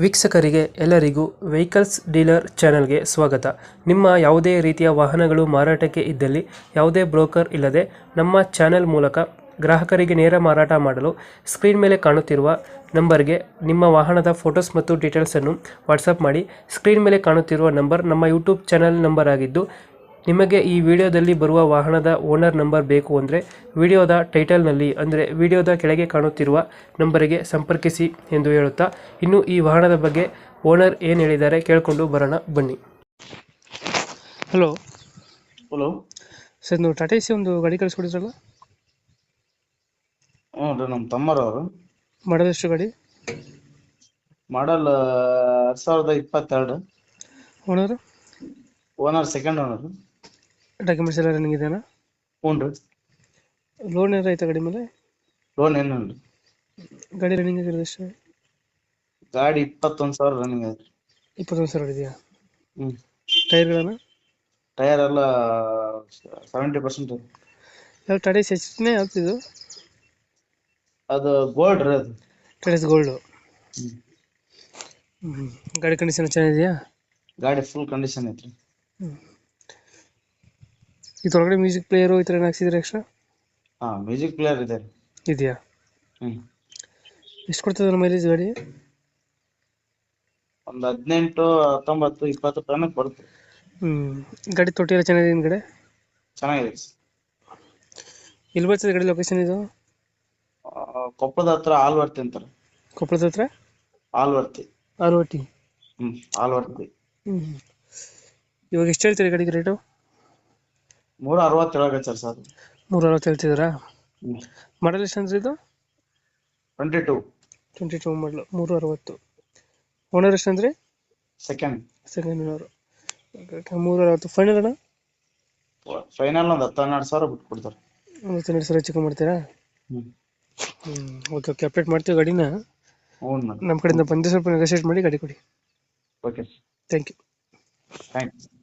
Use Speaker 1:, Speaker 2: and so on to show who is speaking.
Speaker 1: ವೀಕ್ಷಕರಿಗೆ ಎಲ್ಲರಿಗೂ vehicles dealer ಚಾನೆಲ್ಗೆ ಸ್ವಾಗತ. ನಿಮ್ಮ ಯಾವುದೇ ರೀತಿಯ ವಾಹನಗಳು ಮಾರಾಟಕ್ಕೆ ಇದ್ದಲ್ಲಿ ಯಾವುದೇ ಬ್ರೋಕರ್ ಇಲ್ಲದೆ ನಮ್ಮ ಚಾನೆಲ್ ಮೂಲಕ ಗ್ರಾಹಕರಿಗೆ ನೇರ ಮಾರಾಟ ಮಾಡಲು ಸ್ಕ್ರೀನ್ ಮೇಲೆ ಕಾಣುತ್ತಿರುವ ನಂಬರ್ಗೆ ನಿಮ್ಮ ವಾಹನದ ಫೋಟೋಸ್ ಮತ್ತು ಡೀಟೇಲ್ಸನ್ನು ವಾಟ್ಸಪ್ ಮಾಡಿ. ಸ್ಕ್ರೀನ್ ಮೇಲೆ ಕಾಣುತ್ತಿರುವ ನಂಬರ್ ನಮ್ಮ ಯೂಟ್ಯೂಬ್ ಚಾನೆಲ್ ನಂಬರ್ ಆಗಿದ್ದು, ನಿಮಗೆ ಈ ವಿಡಿಯೋದಲ್ಲಿ ಬರುವ ವಾಹನದ ಓನರ್ ನಂಬರ್ ಬೇಕು ಅಂದರೆ ವಿಡಿಯೋದ ಟೈಟಲ್ನಲ್ಲಿ ಅಂದರೆ ವಿಡಿಯೋದ ಕೆಳಗೆ ಕಾಣುತ್ತಿರುವ ನಂಬರಿಗೆ ಸಂಪರ್ಕಿಸಿ ಎಂದು ಹೇಳುತ್ತಾ, ಇನ್ನು ಈ ವಾಹನದ ಬಗ್ಗೆ ಓನರ್ ಏನು ಹೇಳಿದ್ದಾರೆ ಕೇಳಿಕೊಂಡು ಬರೋಣ ಬನ್ನಿ. ಹಲೋ
Speaker 2: ಹಲೋ
Speaker 1: ಸರ್, ನೀವು ಟಾಟಾ ಸಿ ಒಂದು ಗಾಡಿ ಕಳಿಸ್ಕೊಡಿದ್ರಲ್ಲ,
Speaker 2: ಹ್ಞೂ ರೀ, ನಮ್ಮ ತಮ್ಮರವರು.
Speaker 1: ಮಾಡಲ್ ಎಷ್ಟು ಗಾಡಿ?
Speaker 2: ಮಾಡಲ್ 2022.
Speaker 1: ಓನರು?
Speaker 2: Owner second owner.
Speaker 1: ಡಾಕ್ಯುಮೆಂಟ್ಸ್ ಎಲ್ಲ ರನ್ನಿಂಗ್ ಇದೆಯಾ?
Speaker 2: ಹ್ಞೂ ರೀ.
Speaker 1: ಲೋನ್ ಏನಾರ ಆಯ್ತಾ ಗಾಡಿ ಮೇಲೆ?
Speaker 2: ಲೋನ್ ಏನಿಲ್ಲ.
Speaker 1: ಗಾಡಿ ರನ್ನಿಂಗ್ ಆಗಿರೋದು ಎಷ್ಟು?
Speaker 2: ಗಾಡಿ 21,000 ರನ್ನಿಂಗ್ ಐತ್ರಿ.
Speaker 1: 21,000 ಇದೆಯಾ?
Speaker 2: ಹ್ಞೂ.
Speaker 1: ಟೈರ್ಗಳನ್ನು?
Speaker 2: ಟೈರ್ ಎಲ್ಲ 70%.
Speaker 1: ಯಾವ ಟಾಟಾ ಸಿ ಎಚ್ನೇ ಯಾವ್ದು?
Speaker 2: ಅದು ಗೋಲ್ಡ್ ರೀ. ಅದು
Speaker 1: ಟಾಟಾ ಸಿ ಗೋಲ್ಡು.
Speaker 2: ಹ್ಞೂ.
Speaker 1: ಗಾಡಿ ಕಂಡೀಷನ್ ಚೆನ್ನಾಗಿದೆಯಾ?
Speaker 2: ಗಾಡಿ ಫುಲ್ ಕಂಡೀಷನ್ ಐತ್ರಿ.
Speaker 1: ಇದ್ರೊಳಗಡೆ ಮ್ಯೂಸಿಕ್ ಪ್ಲೇಯರು ಈ ಥರ ಏನು ಹಾಕ್ಸಿದ್ರೆ ಎಕ್ಸ್ಟ್ರಾ?
Speaker 2: ಹಾಂ, ಮ್ಯೂಸಿಕ್ ಪ್ಲೇಯರ್ ಇದೆ ರೀ.
Speaker 1: ಇದೆಯಾ?
Speaker 2: ಹ್ಞೂ.
Speaker 1: ಎಷ್ಟು ಕೊಡ್ತದೆ ಮೈಲೇಜ್ ಗಾಡಿ?
Speaker 2: ಒಂದು 18, 19, 20 ತನಕ ಬರುತ್ತೆ.
Speaker 1: ಗಾಡಿ ತೊಟ್ಟಿ ಎಲ್ಲ ಚೆನ್ನಾಗಿದೆ ಹಿಂದ್ಗಡೆ?
Speaker 2: ಚೆನ್ನಾಗಿದೆ.
Speaker 1: ಎಲ್ಲಿ ಬರ್ತದೆ ಗಾಡಿ ಲೊಕೇಶನ್ ಇದು?
Speaker 2: ಕೊಪ್ಪಳದ ಹತ್ರ ಆಲ್ವರ್ತಿ ಅಂತಾರೆ.
Speaker 1: ಕೊಪ್ಪಳದ ಹತ್ರ
Speaker 2: ಆಲ್ವರ್ತಿ.
Speaker 1: ಆರ್ವಟಿ.
Speaker 2: ಆಲ್ವರ್ತಿ.
Speaker 1: ಇವಾಗ ಎಷ್ಟು ಹೇಳ್ತೀರಿ ಗಾಡಿಗೆ ರೇಟು?
Speaker 2: 360 ಹೇಳಕತ್ತಾರ ಸರ್.
Speaker 1: 360 ಹೇಳ್ತಿದ್ದೀರಾ?
Speaker 2: ಹ್ಞೂ.
Speaker 1: ಮಾಡಲ್ ಎಷ್ಟು ಅಂದ್ರೆ ಇದು?
Speaker 2: 22
Speaker 1: ಮಾಡಲು 360. ಓನರ್ ಎಷ್ಟು ಅಂದರೆ?
Speaker 2: Second
Speaker 1: owner. 360 ಫೈನಲ್ ಅಣ್ಣ?
Speaker 2: ಫೈನಲ್ ಒಂದು 10-12 ಸಾವಿರ ಬಿಟ್ಟು ಕೊಡ್ತಾರೆ.
Speaker 1: 12,000 ಚಿಕ್ಕ ಮಾಡ್ತೀರಾ?
Speaker 2: ಹ್ಞೂ.
Speaker 1: ಓಕೆ ಓಕೆ, ಅಪ್ಡೇಟ್ ಮಾಡ್ತೀವಿ ಗಾಡಿನ.
Speaker 2: ಹ್ಞೂ ಮೇಡಮ್.
Speaker 1: ನಮ್ಮ ಕಡೆಯಿಂದ ಬಂದು ಸ್ವಲ್ಪ ನೆಗೋಷಿಯೇಟ್ ಮಾಡಿ ಗಾಡಿ ಕೊಡಿ.
Speaker 2: ಓಕೆ.
Speaker 1: Thank you.
Speaker 2: ಥ್ಯಾಂಕ್ಸ್.